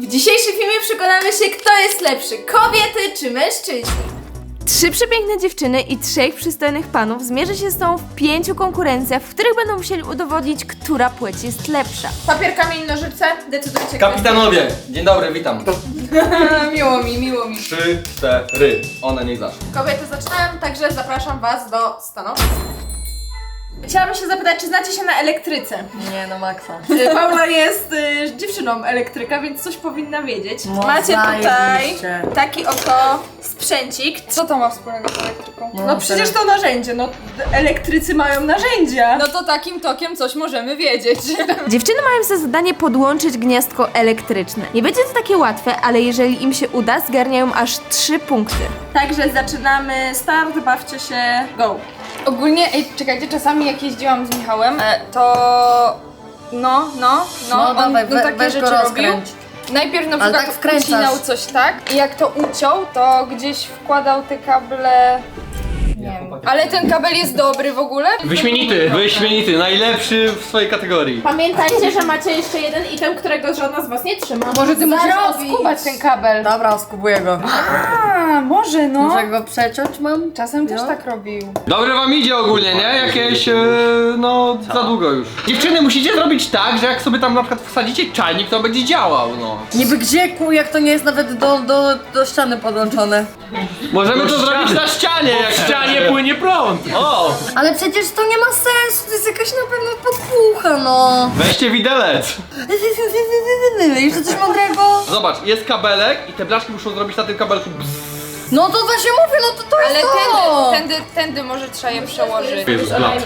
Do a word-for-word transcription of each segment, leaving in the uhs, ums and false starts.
W dzisiejszym filmie przekonamy się, kto jest lepszy, kobiety czy mężczyźni. Trzy przepiękne dziewczyny i trzech przystojnych panów zmierzy się z tą w pięciu konkurencjach, w których będą musieli udowodnić, która płeć jest lepsza. Papier, kamień, nożyce, decydujcie. Kapitanowie, dzień dobry, witam. Miło mi, miło mi. Trzy, cztery, one niech zaczną. Kobiety zaczynają, także zapraszam was do stanowisk. Chciałabym się zapytać, czy znacie się na elektryce? Nie no, maksa. Y, Paula jest y, dziewczyną elektryka, więc coś powinna wiedzieć. No, Macie tutaj zajebiście. taki oto sprzęcik. Co to ma wspólnego z elektryką? No, No przecież to narzędzie, no elektrycy mają narzędzia. No to takim tokiem coś możemy wiedzieć. Dziewczyny mają za zadanie podłączyć gniazdko elektryczne. Nie będzie to takie łatwe, ale jeżeli im się uda, zgarniają aż trzy punkty. Także zaczynamy start, bawcie się, go! Ogólnie, ej, czekajcie, czasami jak jeździłam z Michałem, e, to no, no, no, No, on dawaj, no, we, takie weź rzeczy go robił. rozkręć. Najpierw na Ale przykład tak wkręcasz. ucinał coś tak i jak to uciął, to gdzieś wkładał te kable... Nie wiem. Ale ten kabel jest dobry w ogóle? Wyśmienity, wyśmienity, najlepszy w swojej kategorii. Pamiętajcie, że macie jeszcze jeden item, którego żadna z was nie trzyma. Może ty musiałeś Zarobić. skubać ten kabel. Dobra, oskubuję go. A, może no. Muszę go przeciąć mam? Czasem też No. tak robił. Dobrze wam idzie ogólnie, nie? Jakieś, e, no, za długo już. Dziewczyny, musicie zrobić tak, że jak sobie tam na przykład wsadzicie czajnik, to będzie działał, no. Niby gdzie, ku, jak to nie jest nawet do, do, do ściany podłączone. Możemy to zrobić na ścianie, jak w ścianie płynie prąd. O! Ale przecież to nie ma sensu, to jest jakaś na pewno podpucha, no. Weźcie widelec. Jeszcze coś mądrego? Zobacz, jest kabelek i te blaszki muszą zrobić na tym kabelku bzz. No to właśnie mówię, no to to Ale jest to. tędy, tędy, tędy może trzeba je przełożyć. Jest blat.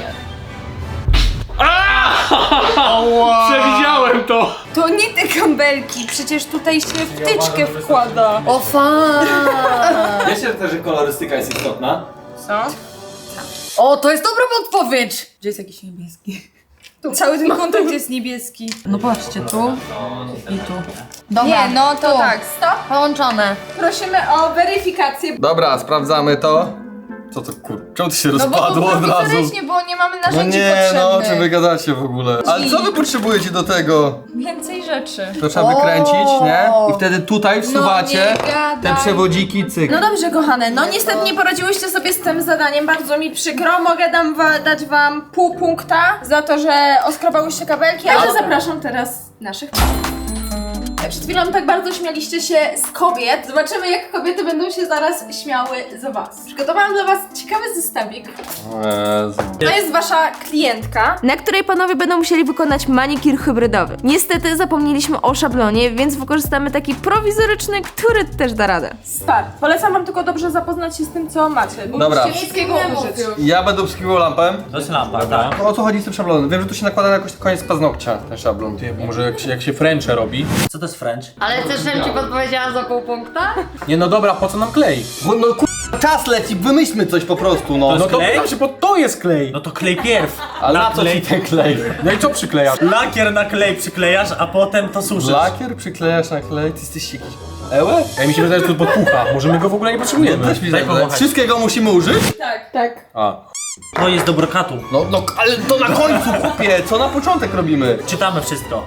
Przewidziałem to! To nie te kabelki, przecież tutaj się wtyczkę wkłada. O fan. Wiecie też, że kolorystyka jest istotna? Co? O, to jest dobra podpowiedź. Gdzie jest jakiś niebieski? Cały ten kontakt jest niebieski. No patrzcie, tu i tu. Dobra, Nie, no to tu. tak, stop. Połączone. Prosimy o weryfikację. Dobra, sprawdzamy to. Co to kur... Czemu to się No bo rozpadło to od razu? prowizorycznie, bo nie mamy No narzędzi nie, potrzebnych. no o czym wy gadacie w ogóle? Ale co wy potrzebujecie do tego? Więcej rzeczy. To trzeba wykręcić, nie? I wtedy tutaj wsuwacie No nie gadaj. te przewodziki, cyk. No dobrze, kochane, no niestety nie poradziłyście sobie z tym zadaniem, bardzo mi przykro. Mogę dam wa- dać wam pół punkta za to, że oskrobałyście kabelki, ale zapraszam teraz naszych panów. Przed chwilą tak bardzo śmialiście się z kobiet. Zobaczymy, jak kobiety będą się zaraz śmiały z was. Przygotowałam dla was ciekawy zestawik. To jest wasza klientka, na której panowie będą musieli wykonać manikir hybrydowy. Niestety zapomnieliśmy o szablonie, więc wykorzystamy taki prowizoryczny, który też da radę. Start. Polecam wam tylko dobrze zapoznać się z tym, co macie. Bo Dobra. musicie wszystkiego użyć. Ja będę obsługiwał lampę. To jest lampa, tak. O co chodzi z tym szablonem? Wiem, że tu się nakłada na jakoś koniec paznokcia, ten szablon. Może jak się, jak się Frencze robi? Co to jest French? Ale też żebym ci podpowiedziała za pół punkta? Nie no dobra, po co nam klej? Bo no kur... czas leci, wymyślmy coś po prostu, no. No to klej? pytam się, bo to jest klej! No to klej pierw. Ale na Na co ci ten klej? No i co przyklejasz? Lakier na klej przyklejasz, a potem to suszysz. Lakier przyklejasz na klej? Ty jesteś jakiś... Ełe? Ja mi się wydaje, że to podpucha. Może my go w ogóle nie potrzebujemy. Też mi Daj tak powąchać. Wszystkiego musimy użyć? Tak. A. To jest do brokatu. No, no, ale to na końcu, chłopie, co na początek robimy? Czytamy wszystko.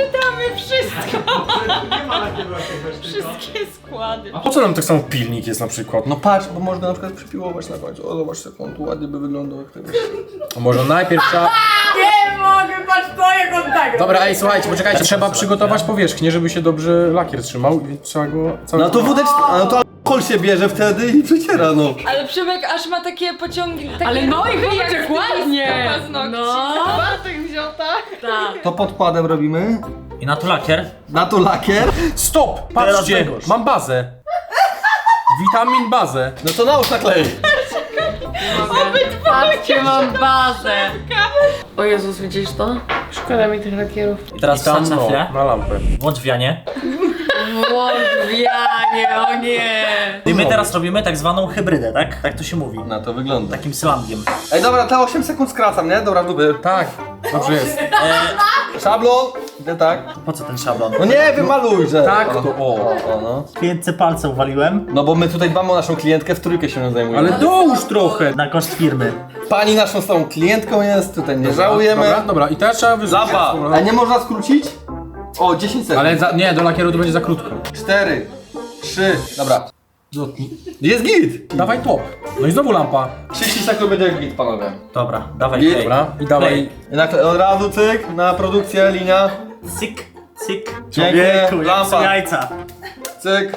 Wszystkie składy. A po co nam tak samo pilnik jest na przykład? No patrz, bo można na przykład przypiłować na końcu. O, zobacz, jak on tu ładnie by wyglądał. Jak tego. A może najpierw trzeba... Nie mogę, patrz to, jak on tak. Dobra, ej, słuchajcie, poczekajcie. Trzeba przygotować powierzchnię, żeby się dobrze lakier trzymał i trzeba go... Cały No to wódeczka, no to alkohol się bierze wtedy i przeciera, no. Ale Przemek aż ma takie pociągi. Takie Ale no i ruchy, chłopak, jak dokładnie. z paznokci. No. Bartek wziął, tak? Tak. To podkładem robimy. I na to lakier. Na to lakier. Stop! Teraz Patrzcie! Grzegorz. Mam bazę. Witamin bazę. No to nałóż na klej. Patrzcie, mam bazę. O Jezus, widzisz to? Szkoda mi tych lakierów. I teraz I tam wsadź na no, chwilę. na lampę. Włącz wianie. Włączwianie, o nie. I my teraz robimy tak zwaną hybrydę, tak? Tak to się mówi. Na to wygląda. Takim slangiem. Ej, dobra, te osiem sekund skracam, nie? Dobra, lubię. Tak, dobrze jest. Szablon. Idę tak. Po co ten szablon? No nie, wymaluj, że. Tak, to o. O, o, no. Klientce palce uwaliłem. No bo my tutaj dbamy o naszą klientkę, w trójkę się nią zajmujemy. Ale dołóż trochę. Na koszt firmy. Pani naszą stałą klientką jest, tutaj nie żałujemy. Dobra, dobra, i teraz trzeba wyrzucić. Zapa! A nie można skrócić? O, dziesięć sekund. Ale za, nie, do lakieru to będzie za krótko. cztery, trzy, dobra. Jest git! Dawaj top. No i znowu lampa. trzydzieści sekund będzie git, panowie. Dobra, dawaj Git. play. Dobra, i dawaj. Na, od razu cyk, na produkcję, linia. Cyk, cyk. Pięknie, Człowieku, jak lampa. są jajca. Cyk.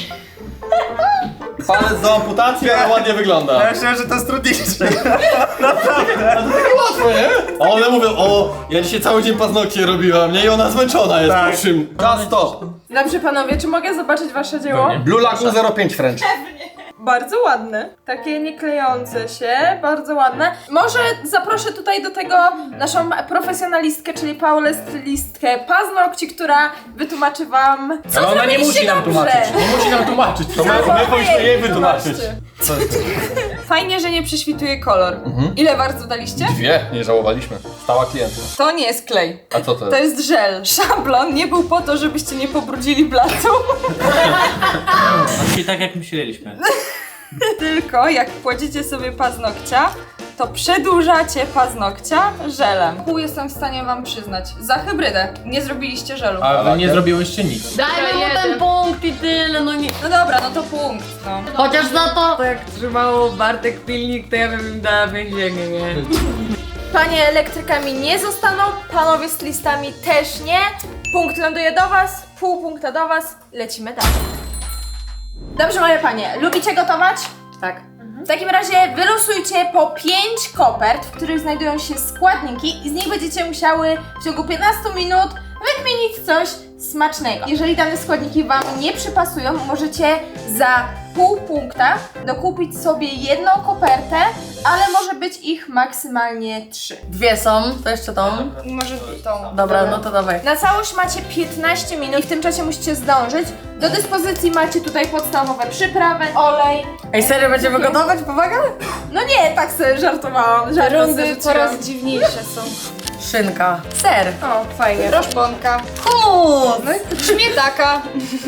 Palec do amputacji, ale ładnie wygląda. Ja myślałem, że to jest trudniejsze. A to takie łatwe, nie? A one mówią, o, ja dzisiaj cały dzień paznokcie robiłam, nie? I ona zmęczona jest Tak. po czym. Czas stop. Dobrze panowie, czy mogę zobaczyć wasze dzieło? Blue Lagoon zero pięć French. Bardzo ładne. Takie nieklejące się, bardzo ładne. Może zaproszę tutaj do tego naszą profesjonalistkę, czyli Paulę stylistkę paznokci, która wytłumaczy wam, co Ale ona nie zrobiliście musi nam dobrze. tłumaczyć. Nie musi nam tłumaczyć. To my- ma... my powinniśmy jej wytłumaczyć. Zobaczcie. Fajnie, że nie prześwituje kolor. Ile bardzo daliście? Dwie, nie żałowaliśmy. Stała klientów. To nie jest klej. A co to To jest? jest żel. Szablon nie był po to, żebyście nie pobrudzili blatu, Czyli tak jak myśleliśmy. tylko jak kładziecie sobie paznokcia, to przedłużacie paznokcia żelem. Pół jestem w stanie wam przyznać. Za hybrydę. Nie zrobiliście żelu. A wy nie zrobiłyście nic. Dajmy mu ten punkt i tyle, no nie. No dobra, no to punkt, no. Chociaż za to, to jak trzymało Bartek pilnik, to ja bym im dała więzienie, nie? Panie elektrykami nie zostaną, panowie stylistami też nie. Punkt ląduje do was, pół punkta do was, lecimy dalej. Dobrze, moje panie, lubicie gotować? Tak. W takim razie wylosujcie po pięć kopert, w których znajdują się składniki i z nich będziecie musiały w ciągu piętnastu minut wykminić coś smacznego. Jeżeli dane składniki wam nie przypasują, możecie za pół punkta dokupić sobie jedną kopertę, ale może być ich maksymalnie trzy. Dwie są, to jeszcze tą. I może tą. Dobra, no to dawaj. Na całość macie piętnaście minut i w tym czasie musicie zdążyć. Do dyspozycji macie tutaj podstawowe przyprawy, olej. Ej, serio będziemy gotować? Powaga? No nie, tak sobie żartowałam. Żart Rundy sobie coraz rzuciłam. dziwniejsze są. Szynka. Ser. O, fajnie. Roszponka. Humus. Śmietaka.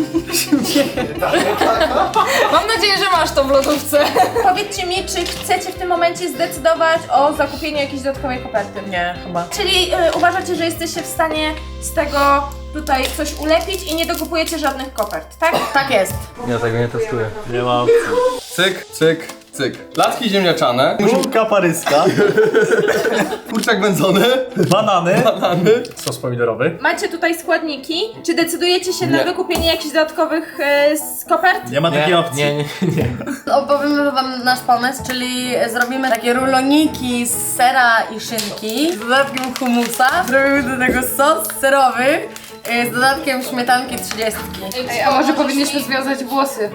Mam nadzieję, że masz to w lodówce. Powiedzcie mi, czy chcecie w tym momencie zdecydować o zakupieniu jakiejś dodatkowej koperty? Nie, chyba. Czyli y, uważacie, że jesteście w stanie z tego tutaj coś ulepić i nie dokupujecie żadnych kopert, tak? Tak jest. Ja tego nie testuję. Nie ma Cyk, cyk, cyk. Placki ziemniaczane. Bułka paryska, Kurczak wędzony. banany. Banany. Sos pomidorowy. Macie tutaj składniki. Czy decydujecie się na Nie. wykupienie jakichś dodatkowych y, z kopert? Nie ma takiej opcji. Nie, nie, nie. Opowiemy wam nasz pomysł, czyli zrobimy takie ruloniki z sera i szynki z dodatkiem humusa. Zrobimy do tego sos serowy y, z dodatkiem śmietanki trzydziestki. Ej, a może powinniśmy związać włosy?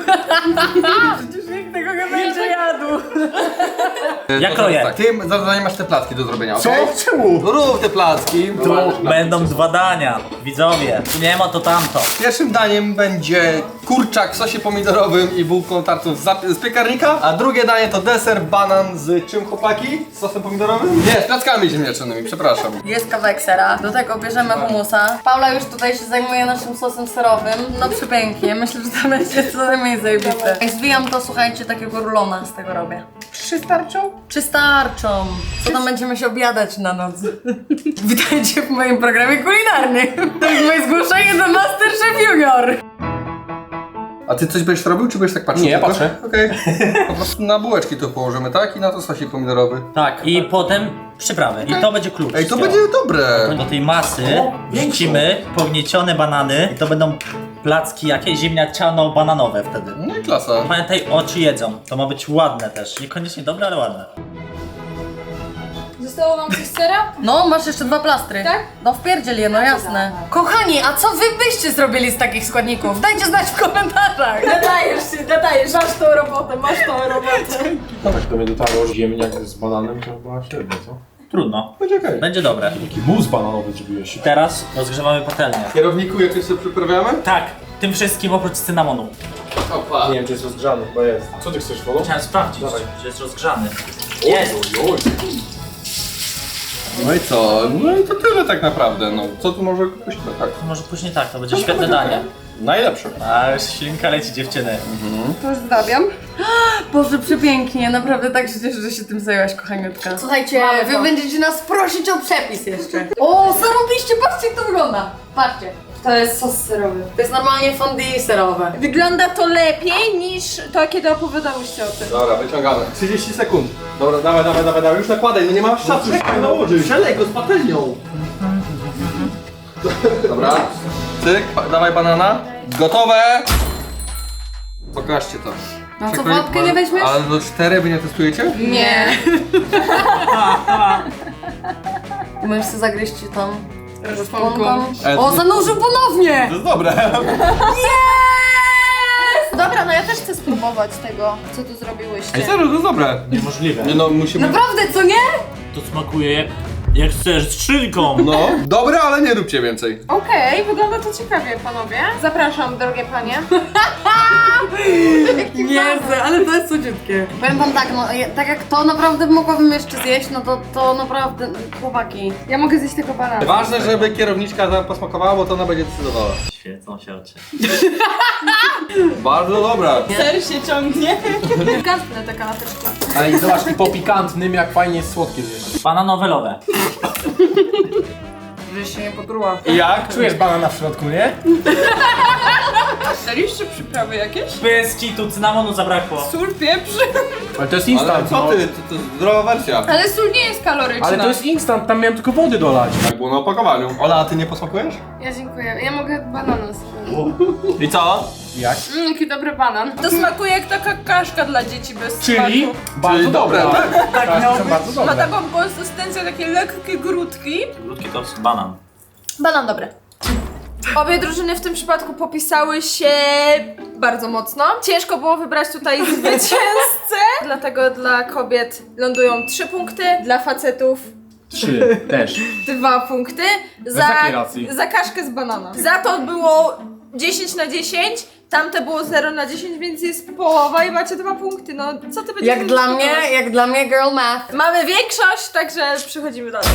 Nikt tego nie będzie jadł. Ja kroję. Tak, ty za zadanie masz te placki do zrobienia, Co? okej? Czemu? No rób te placki. Tu będą dwa dania, widzowie. Tu nie ma to tamto. Pierwszym daniem będzie kurczak w sosie pomidorowym i bułką tartą z, zap- z piekarnika, a drugie danie to deser banan z czym, chłopaki? Z sosem pomidorowym? Nie, z plackami ziemniaczanymi, przepraszam. Jest kawałek sera, do tego bierzemy humusa. Paula już tutaj się zajmuje naszym sosem serowym. No przepięknie, myślę, że to będzie co najmniej zajebiste. Jak zwijam to, słuchajcie, takiego rulona z tego robię. Trzy starczą? Czy starczą? Co tam będziemy się obiadać na noc? Witajcie w moim programie kulinarnym. To jest moje zgłoszenie do MasterChef Junior. A ty coś będziesz robił, czy będziesz tak patrzył? Nie, ja tylko? patrzę. Okej. Po prostu na bułeczki to położymy, tak? I na to sosik pomidorowy. Tak, i potem przyprawy. I to będzie klucz. Ej, to wszystkiego. będzie dobre. Do tej masy wrzucimy pogniecione banany i to będą placki jakieś ziemniaczano-bananowe wtedy. No i klasa. Pamiętaj, oczy jedzą. To ma być ładne też. Niekoniecznie dobre, ale ładne. Zostało nam coś sera? No, masz jeszcze dwa plastry. Tak? No wpierdziel je, no jasne. Kochani, a co wy byście zrobili z takich składników? Dajcie znać w komentarzach. Nadajesz się, nadajesz, masz tą robotę, masz tą robotę. Tak to mnie dotarło, że ziemniak z bananem to była średnia, co? Trudno. Będzie okej. Będzie dobre. Taki mus bananowy zrobiłeś. Teraz rozgrzewamy patelnię. Kierowniku, jak sobie przyprawiamy? Tak, tym wszystkim oprócz cynamonu. Opa. Nie wiem, czy jest rozgrzany, chyba jest. Co ty chcesz, wodą? Chciałem sprawdzić, Dawaj. czy jest rozgrzany. Jest! Oj, oj. No i co? No i to tyle tak naprawdę, no. Co tu może pójść? Tak. Może później tak, to będzie świetne danie. Najlepszy. A już ślinka leci dziewczyny. Pozdrawiam. Boże, przepięknie, naprawdę tak się cieszę, że się tym zajęłaś, kochaniutka. Słuchajcie, Wy będziecie nas prosić o przepis jeszcze. O, zarobiście, patrzcie jak to wygląda. Patrzcie. To jest sos serowy. To jest normalnie fondue serowe. Wygląda to lepiej niż to, kiedy opowiadałyście o tym. Dobra, wyciągamy. trzydzieści sekund. Dobra, dawaj, dawaj, dawaj, dawaj. Już nakładaj, no nie masz czasu. Czekaj, nałożyć. Przelej go z patelnią. Dobra. Cyk, dawaj banana. Gotowe. Pokażcie to. No co, Przekrój- wodkę nie weźmiesz? Ale do cztery wy nie testujecie? Nie. Możesz sobie zagryźć tam szponką. Ale O, to- zanurzył ponownie! To jest dobre. Dobra, no ja też chcę spróbować tego, co tu Ej, zrobiłyście. serio, to jest dobre. Niemożliwe. Nie no, musimy... Naprawdę, co nie? To smakuje jak, jak chcesz, z szynką. No, dobre, ale nie róbcie więcej. Okej, wygląda to ciekawie, panowie. Zapraszam, drogie panie. Jezu, ale to jest cudziutkie. Powiem wam tak, no je- tak jak to naprawdę mogłabym jeszcze zjeść, no to, to naprawdę, chłopaki. Ja mogę zjeść tego banana. Ważne, żeby kierowniczka tam posmakowała, bo to ona będzie decydowała. Świecą się oczy. Bardzo dobra. Ser się ciągnie. Gantnę te kanapeczki. Ale i zobacz, i po pikantnym, jak fajnie jest słodkie zjeść. Bananowe lowe. Że się nie potruła. I jak? Czujesz banana w środku, nie? Daliście przyprawy jakieś? Bez kitu, cynamonu zabrakło. Sól, pieprz. Ale to jest Ale instant, co no. ty? To, to jest zdrowa wersja. Ale sól nie jest kaloryczna. Ale to jest instant, tam miałem tylko wody dolać. Tak było na opakowaniu. Ola, a ty nie posmakujesz? Ja dziękuję. Ja mogę banana sobie. I co? Jak? Mmm, jaki dobry banan. To smakuje jak taka kaszka dla dzieci bez Czyli? smaku. Bardzo Czyli dobre, dobra. tak? Tak, miało są być. bardzo Ma dobre. taką konsystencję, takie lekkie grudki. Krótki to jest banan. Banan dobry. Obie drużyny w tym przypadku popisały się bardzo mocno. Ciężko było wybrać tutaj zwycięzcę. Dlatego dla kobiet lądują trzy punkty, dla facetów Trzy, też. dwa punkty. Za, takiej racji. za kaszkę z banana. Za to było dziesięć na dziesięć, tamte było zero na dziesięć, więc jest połowa i macie dwa punkty. No co ty będziesz Jak dla mnie, dyskutować? jak dla mnie girl math. Mamy większość, także przechodzimy dalej.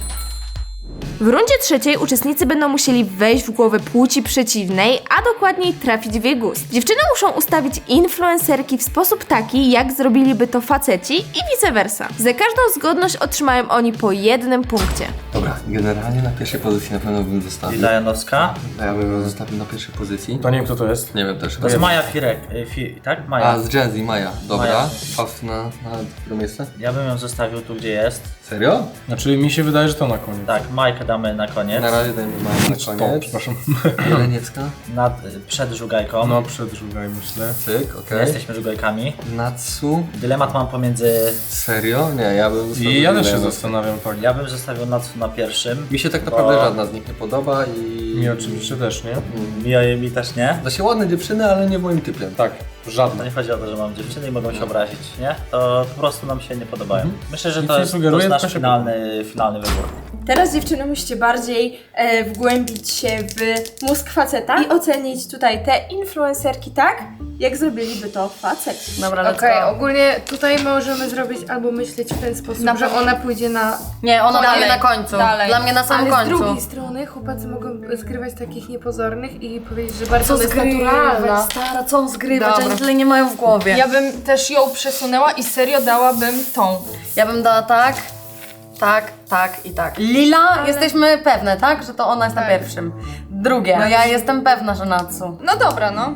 W rundzie trzeciej uczestnicy będą musieli wejść w głowę płci przeciwnej, a dokładniej trafić w jej gust. Dziewczyny muszą ustawić influencerki w sposób taki, jak zrobiliby to faceci i vice versa. Za każdą zgodność otrzymają oni po jednym punkcie. Dobra, generalnie na pierwszej pozycji na pewno bym zostawił. Lila Janowska. Ja bym ją zostawił na pierwszej pozycji. To nie wiem kto to jest. Nie wiem też. To jest Maja Firek. y, Fi, tak? Maja. A, z Gen Z, Maja. Dobra. Maja. Faustyna, na które miejsce? Ja bym ją zostawił tu, gdzie jest. Serio? Znaczy mi się wydaje, że to na koniec. Tak, Majkę damy na koniec. Na razie dajmy Maję na To, koniec. przepraszam. Jeleniewska. Nad, y, przed żugajką. No, przedrugaj myślę. Cyk, Nie okej. jesteśmy żugajkami. Natsu. Dylemat mam pomiędzy... Serio? Nie, ja bym zostawił I ja też się Jeleniewską. zastanawiam, tak. Ja bym zostawił Natsu na pierwszym. Mi się tak naprawdę Bo- żadna z nich nie podoba i... Mi oczywiście też, nie? Mi, mi też nie. To się ładne dziewczyny, ale nie moim typem. Tak, To żadne. nie chodzi o to, że mam dziewczyny i mogą się obrazić, nie? To po prostu nam się nie podobają. Myślę, że I to co jest, to sugeruje, jest to nasz się finalny, finalny wybór. Teraz dziewczyny musicie bardziej e, wgłębić się w mózg faceta i ocenić tutaj te influencerki tak, jak zrobiliby to faceci. Dobra, let's Okej, go. ogólnie tutaj możemy zrobić albo myśleć w ten sposób, Na że pewno. ona pójdzie na... Nie, ona Dalej. będzie na końcu. Dalej. Dla mnie na samym Ale z końcu. drugiej strony chłopacy mogą zgrywać takich niepozornych i powiedzieć, że bardzo Co ona jest zgrywać, naturalna. stara, co on zgrywać? Dobra. Oni tyle nie mają w głowie. Ja bym też ją przesunęła i serio dałabym tą. Ja bym dała tak, tak, tak i tak. Lila, jesteśmy pewne, tak? Że to ona jest na pierwszym. Drugie, no ja jestem pewna, że Natsu. No dobra, no.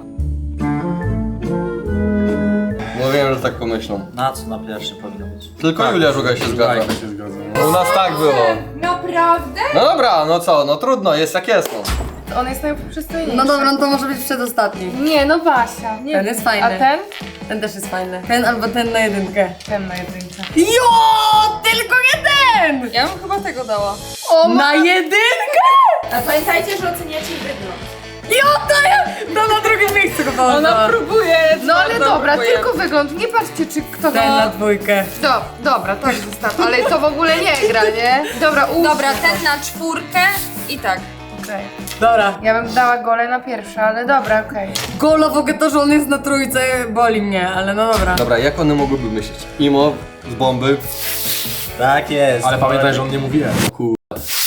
No wiem, że tak pomyślą. Natsu na pierwszy powinno być. Tylko Julia Żugaj się zgadza. Tak, się zgadza. U nas tak było. Naprawdę? No dobra, no co, no trudno, jest jak jest, no. On jest najprzystojniejszy. No dobra, no to może być przedostatni. Nie, no Basia. Nie. Ten jest fajny. A ten? Ten też jest fajny. Ten albo ten na jedynkę. Ten na jedynce. Jo, tylko nie ten! Ja bym chyba tego dała. O, na jedynkę? A pamiętajcie, że oceniacie wygląd. Jo, to ja! No na drugim miejscu go Ona położyła. próbuje. No ale bardzo dobra, próbuje. tylko wygląd. Nie patrzcie, czy kto Ten na ma... dwójkę. Do, dobra, tak zostaw, ale to w ogóle nie gra, nie? Dobra, ułóż Dobra, to. ten na czwórkę i tak. Okej. Dobra. Ja bym dała gole na pierwsze, ale dobra, okej. Gola w ogóle to, że on jest na trójce, boli mnie, ale no dobra. Dobra, jak one mogłyby myśleć? Imo z bomby. Tak jest. Ale pamiętaj, że on nie mówi E.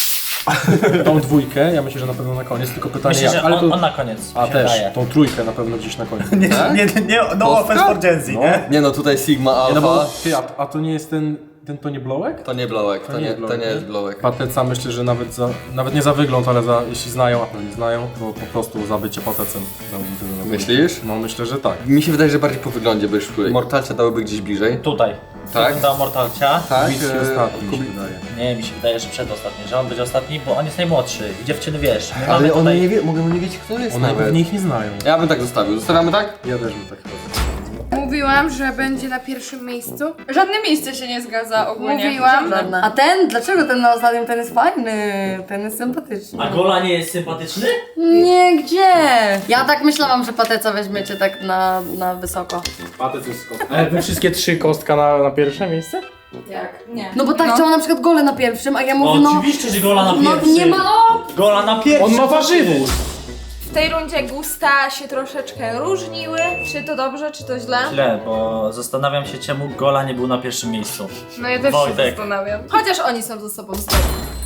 Tą dwójkę, ja myślę, że na pewno na koniec, tylko pytanie Myślę, jak, że on, to... on na koniec. A mi się też, wydaje. tą trójkę na pewno gdzieś na koniec. Nie, Tak? nie, nie, no Kostka? offense for Gen Z, No. nie? Nie no, tutaj Sigma Nie, Alpha. no bo, ty, a, a to nie jest ten, ten to nie Blowek? To nie blowek, to, To nie nie, jest to blowek, nie jest nie? blowek. Pateca myślę, że nawet za, nawet nie za wygląd, ale za, jeśli znają, a pewnie znają, to po prostu za bycie patecem. dałbym tyle na Myślisz? No myślę, że tak. Mi się wydaje, że bardziej po wyglądzie by szły. Mortalcia dałyby gdzieś bliżej. Tutaj. Tak? Dał Mortalcia. Tak? Kubicki e, ostatni mi się Kubi- wydaje. Nie, mi się wydaje, że przedostatni, że on będzie ostatni, bo on jest najmłodszy. I dziewczyny, wiesz, my mamy Ale one tutaj... nie wie, mogą nie wiedzieć kto jest One nawet. w nich nie znają. Ja bym tak zostawił. Zostawiamy tak? Ja też bym tak chyba. Mówiłam, że będzie na pierwszym miejscu. Żadne miejsce się nie zgadza ogólnie. Mówiłam. Żadna. A ten? Dlaczego ten na ostatnim? Ten jest fajny, ten jest sympatyczny. A Gola nie jest sympatyczny? Nie, gdzie? Ja tak myślałam, że pateca weźmiecie tak na, na wysoko. Patec jest kostka. Ale wy wszystkie trzy kostka na, na pierwsze miejsce? Jak? Nie. No bo tak chciałam na przykład gole na pierwszym, a ja mówię O, no... oczywiście, że Gola na No pierwszy. nie ma op! Gola na pierwszy. On ma warzywo! W tej rundzie gusta się troszeczkę różniły. Czy to dobrze, czy to źle? Źle, bo zastanawiam się, czemu Gola nie był na pierwszym miejscu. No ja też Wojtek. się zastanawiam. Chociaż oni są ze sobą zgodni.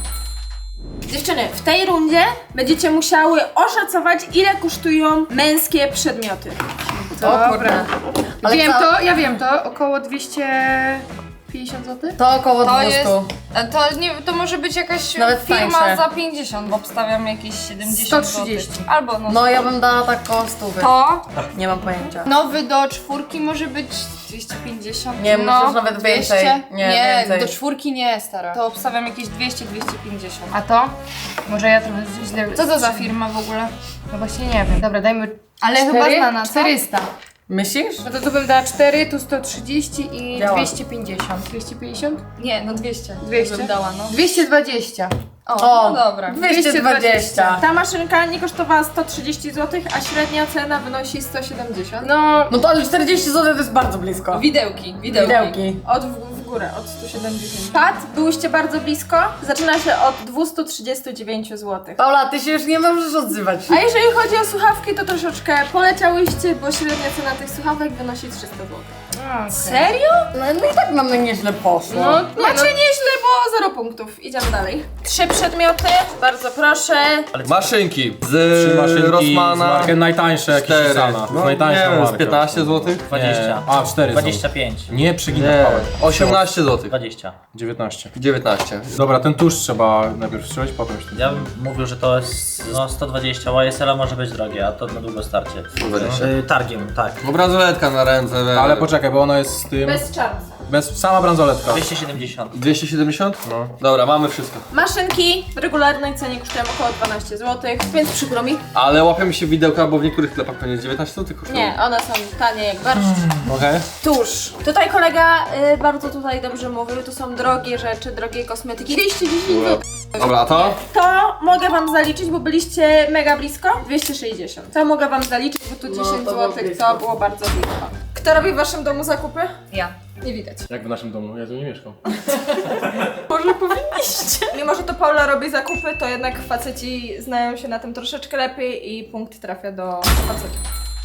Dziewczyny, w tej rundzie będziecie musiały oszacować, ile kosztują męskie przedmioty. O kurde. Ale Wiem ca- to, ja wiem to, około dwieście pięćdziesiąt złotych. To około To dwieście. jest, a to, nie, to może być jakaś Nawet firma tańsze. za pięćdziesiąt, bo obstawiam jakieś siedemdziesiąt sto trzydzieści. złotych. Albo no. No ja bym dała tak koło stówy. To Nie mam pojęcia. nowy do czwórki może być dwieście pięćdziesiąt. Nie, no, myślę, że nawet dwieście. więcej. Nie, Nie, więcej. do czwórki nie, stara. To obstawiam jakieś dwieście dwieście pięćdziesiąt. A to? Może ja trochę źle... Co to za firma w ogóle? No właśnie nie wiem. Dobra, dajmy... Ale chyba znana, czterysta. Myślisz? No to tu bym dała cztery, tu sto trzydzieści i Działa. dwieście pięćdziesiąt. dwieście pięćdziesiąt? Nie, no dwieście. dwieście Bym dała, no. dwieście dwadzieścia. O, O, no dobra. dwieście dwadzieścia. Ta maszynka nie kosztowała sto trzydzieści złotych, a średnia cena wynosi sto siedemdziesiąt. No, No to ale czterdzieści złotych to jest bardzo blisko. Widełki, widełki. Widełki. Od w, w górę, od sto siedemdziesiąt. Pad, byłyście bardzo blisko. Zaczyna się od dwieście trzydzieści dziewięć złotych. Paula, ty się już nie możesz odzywać. A jeżeli chodzi o słuchawki, to troszeczkę poleciałyście, bo średnia cena tych słuchawek wynosi trzysta złotych. Serio? No, no i tak nam na nieźle poszło. no, nie, Macie no. nieźle, bo zero punktów. Idziemy dalej. Trzy przedmioty, bardzo proszę. Maszynki z Trzy maszynki z Rossmana. markę najtańsze jakieś Cztery. Sana. No, najtańsza nie wiem, marka. z piętnaście złotych? dwadzieścia. A, cztery dwadzieścia są. pięć. Nie przeginaj Nie, pałek. osiemnaście złotych. dwadzieścia. dziewiętnaście. dziewiętnaście. Dobra, ten tusz trzeba najpierw strzelić, potem się... Ja bym mówił, że to jest no, sto dwadzieścia. Y S L może być drogie, a to na długo starcie. sto dwadzieścia. Y, targiem, tak. Bo bransoletka na ręce. we- Ale poczekaj, bo ona jest z tym... Bez czarnca. Bez... Sama bransoletka. dwieście siedemdziesiąt. dwieście siedemdziesiąt? No. Dobra, mamy wszystko. Maszynki w regularnej cenie kosztują około dwanaście złotych, więc przykro mi. Ale łapiemy się widełka, bo w niektórych sklepach pewnie dziewiętnaście złotych kosztują. Nie, one są tanie jak barszcz. Okej. Tuż. Tutaj kolega y, bardzo tutaj dobrze mówił, tu są drogie rzeczy, drogie kosmetyki. dwieście dziesięć złotych. Dobra, a to? To mogę wam zaliczyć, bo byliście mega blisko. dwieście sześćdziesiąt. To mogę wam zaliczyć, bo tu No, dziesięć to było złotych, blisko. to było bardzo blisko. Kto robi w waszym domu zakupy? Ja. Nie widać. Jak w naszym domu, ja tu nie mieszkam. Może powinniście. Mimo, że to Paula robi zakupy, to jednak faceci znają się na tym troszeczkę lepiej i punkt trafia do facetów.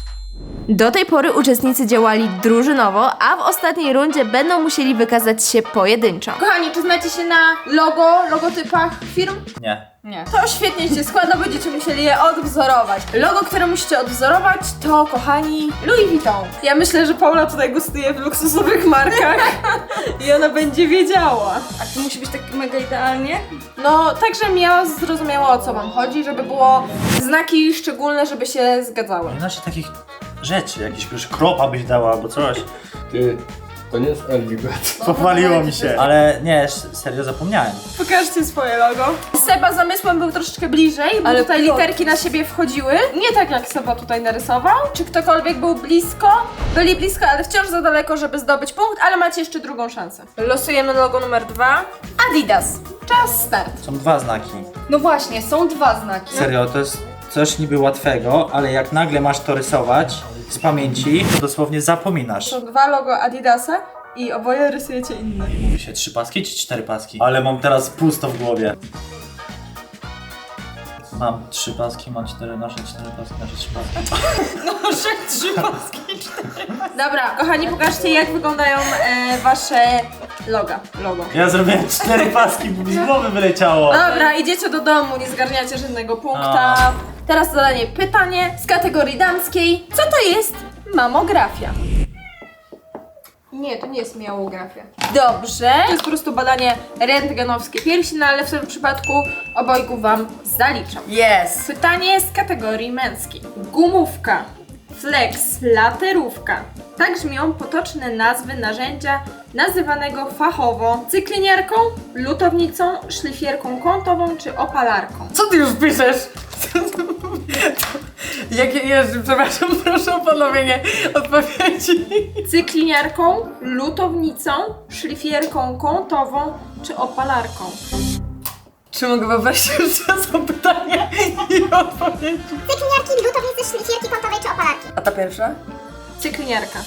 Do tej pory uczestnicy działali drużynowo, a w ostatniej rundzie będą musieli wykazać się pojedynczo. Kochani, czy znacie się na logo, logotypach firm? Nie. Nie. To świetnie się składa, będziecie musieli je odwzorować. Logo, które musicie odwzorować, to, kochani, Louis Vuitton. Ja myślę, że Paula tutaj gustuje w luksusowych markach i ona będzie wiedziała. A to musi być tak mega idealnie? No, tak, żebym ja zrozumiała, o co wam chodzi, żeby było znaki szczególne, żeby się zgadzały. Nie znaczy takich rzeczy, jakieś kropa byś dała albo coś. Ty, to nie jest L B Bet. Pochwaliło mi się. Ale nie, serio zapomniałem. Pokażcie swoje logo. Seba zamysłem był troszeczkę bliżej, bo Ale tutaj plot. literki na siebie wchodziły. Nie tak jak Seba tutaj narysował. Czy ktokolwiek był blisko? Byli blisko, ale wciąż za daleko, żeby zdobyć punkt, ale macie jeszcze drugą szansę. Losujemy logo numer dwa. Adidas. Czas start. Są dwa znaki. No właśnie, są dwa znaki. Serio, to jest coś niby łatwego, ale jak nagle masz to rysować z pamięci, to dosłownie zapominasz. Są dwa logo Adidasa i oboje rysujecie inne. Mówi się trzy paski czy cztery paski? Ale mam teraz pusto w głowie. Mam trzy paski, mam cztery, nasze cztery paski, nasze trzy paski. Dobra, kochani, pokażcie jak wyglądają e, wasze Loga, logo. Ja zrobiłem cztery paski, bo mi z głowy wyleciało. Dobra, idziecie do domu, nie zgarniacie żadnego punkta. Teraz zadanie pytanie z kategorii damskiej. Co to jest mamografia? Nie, to nie jest mamografia. Dobrze. To jest po prostu badanie rentgenowskie piersi, no ale w tym przypadku obojgu wam zaliczam. Yes! Pytanie z kategorii męskiej. Gumówka, flex, laterówka. Tak brzmią potoczne nazwy narzędzia nazywanego fachowo cykliniarką, lutownicą, szlifierką kątową czy opalarką. Co ty już piszesz? Jakie jeszcze, przepraszam, proszę o ponowienie odpowiedzi. Cykliniarką, lutownicą, szlifierką kątową czy opalarką. Czy mogę poprosić jeszcze raz o pytanie i odpowiedzi? Cykliniarki, lutownicy, szlifierki kątowej czy opalarki? A ta pierwsza? Cykliniarka.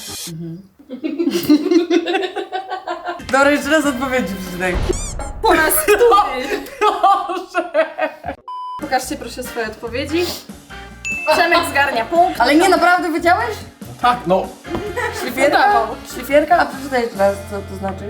Dobra, jeszcze raz odpowiedzi przeczytaj. Po raz który. Proszę! Pokażcie proszę swoje odpowiedzi. Przemek zgarnia punkt. Ale nie, naprawdę wiedziałeś? Tak, no. Szlifierka? Udawał. Szlifierka? A przeczytaj jeszcze raz, co to znaczy.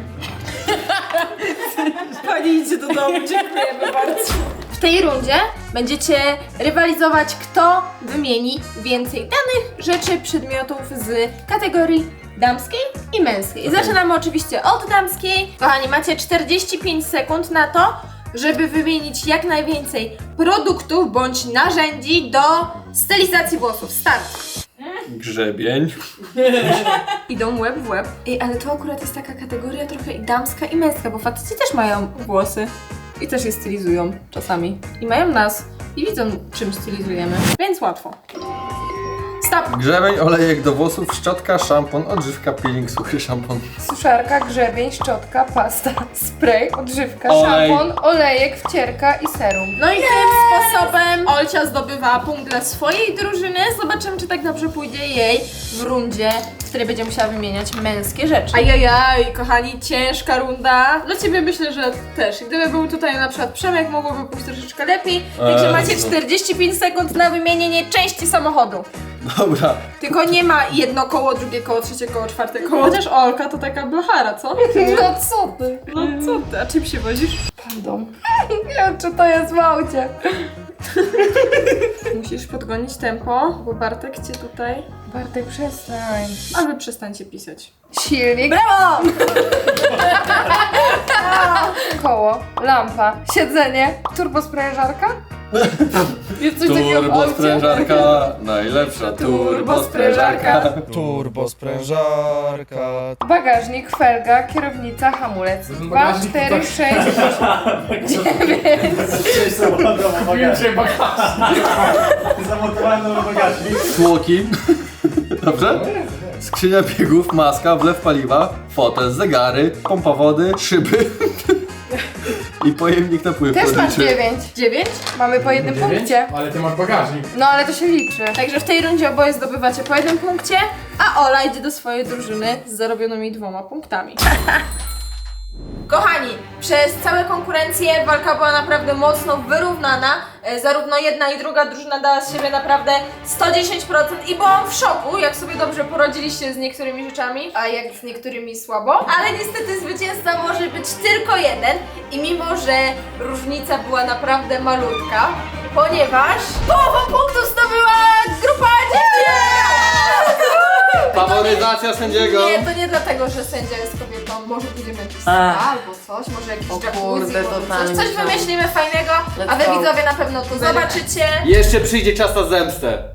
Pani idzie do domu, dziękujemy bardzo. W tej rundzie będziecie rywalizować, kto wymieni więcej danych, rzeczy, przedmiotów z kategorii damskiej i męskiej. Zaczynamy oczywiście od damskiej. Kochani, macie czterdzieści pięć sekund na to, żeby wymienić jak najwięcej produktów bądź narzędzi do stylizacji włosów. Start! Grzebień. Idą łeb w łeb. Ej, ale to akurat jest taka kategoria trochę i damska i męska, bo faceci też mają włosy. I też je stylizują czasami. I mają nas. I widzą, czym stylizujemy. Więc łatwo. Stop! Grzebień, olejek do włosów, szczotka, szampon, odżywka, peeling, suchy szampon. Suszarka, grzebień, szczotka, pasta, spray, odżywka, Olej. szampon, olejek, wcierka i serum. No i tym sposobem Olcia zdobywa punkt dla swojej drużyny. Zobaczymy, czy tak dobrze pójdzie jej w rundzie, w której będzie musiała wymieniać męskie rzeczy. Ajajaj, kochani, ciężka runda. Dla ciebie myślę, że też. Gdyby był tutaj na przykład Przemek, mogłoby pójść troszeczkę lepiej. Także Eee, macie no. czterdzieści pięć sekund na wymienienie części samochodu. Dobra. Tylko nie ma jedno koło, drugie koło, trzecie koło, czwarte koło. Chociaż Olka to taka blachara, co? No co ty? No co ty, a czym się wozisz? Pandą. Nie wiem, czy to jest w aucie. Musisz podgonić tempo, bo Bartek cię tutaj... Bartek, przestań. A wy przestańcie pisać. Silnik, Brawo! koło, lampa, siedzenie, turbosprężarka? Jest coś takiego w Turbo aucie? sprężarka, najlepsza turbo sprężarka. Turbo sprężarka. Bagażnik, felga, kierownica, hamulec. To jest dwa, bagażnik, cztery, tak. sześć, dziewięć. Cześć, samochodowo bagażnik. Zamontowałem nowy bagażnik. Tłoki. Dobrze? Skrzynia biegów, maska, wlew paliwa, fotel, zegary, pompa wody, szyby i pojemnik na pływ Też masz lotniczy. dziewięć. Dziewięć? Mamy po jednym punkcie. Ale ty masz bagażnik. No ale to się liczy. Także w tej rundzie oboje zdobywacie po jednym punkcie, a Ola idzie do swojej drużyny z zarobionymi dwoma punktami. Kochani, przez całe konkurencje walka była naprawdę mocno wyrównana. E, Zarówno jedna i druga drużyna dała z siebie naprawdę sto dziesięć procent i byłam w szoku, jak sobie dobrze poradziliście z niektórymi rzeczami, a jak z niektórymi słabo. Ale niestety zwycięzca może być tylko jeden i mimo, że różnica była naprawdę malutka, ponieważ połowę punktów zdobyła grupa dziewczyn! Faworyzacja sędziego. Nie, to nie dlatego, że sędzia jest kobietą. Może pójdziemy jakiś spa albo coś, może jakiś O jacuzzi, kurde, może totalnie coś, coś myślałam. wymyślimy fajnego, a wy Let's go. widzowie na pewno to zobaczycie. Jeszcze przyjdzie czas na zemstę.